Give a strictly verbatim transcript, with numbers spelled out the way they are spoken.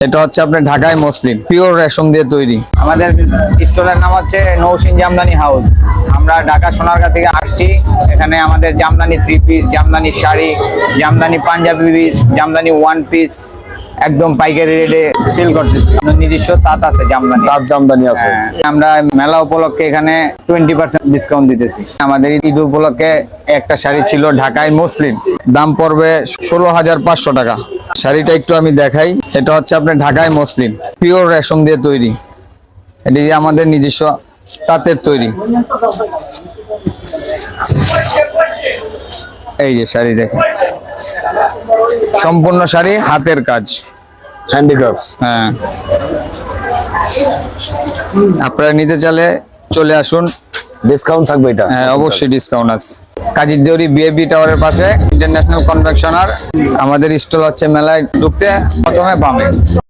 এটা হচ্ছে আপনার ঢাকায় মসলিন পিওর রেশম দিয়ে তৈরি। আমাদের স্টোরের নাম হচ্ছে নৌসিন জামদানি হাউস। আমরা ঢাকা সোনারগাঁ থেকে আসছি। এখানে আমাদের jamdani three piece, jamdani sari, jamdani panjabi piece, jamdani one piece একদম পাইকারি রেটে সেল করতেছি। আমাদের নিজস্ব তাঁত আছে, জামদানি তাঁত জামদানি আছে। হ্যাঁ, আমরা মেলা উপলক্ষে এখানে টোয়েন্টি পার্সেন্ট ডিসকাউন্ট দিতেছি। আমাদের ঈদ উপলক্ষে একটা শাড়ি ছিল ঢাকায় মসলিন, দাম পড়বে ষোলো হাজার পাঁচশো টাকা। শাড়িটা একটু আমি দেখাই। এটা হচ্ছে আপনার ঢাকায় মসলিন পিওর রেশম দিয়ে তৈরি। এটি আমাদের নিজস্ব তাঁতের তৈরি। এই যে শাড়ি দেখেন, সম্পূর্ণ শাড়ি হাতের কাজ, হ্যান্ডিক্রাফটস। হ্যাঁ, আপনারা নিতে চাইলে চলে আসুন। ডিসকাউন্ট থাকবে এটা? হ্যাঁ, অবশ্যই ডিসকাউন্ট আছে। কাজীর দেউরি বিএবি টাওয়ারের পাশে ইন্টারন্যাশনাল কনভেনশনার। আমাদের স্টল হচ্ছে মেলায় ঢুকতে প্রথমে বামে।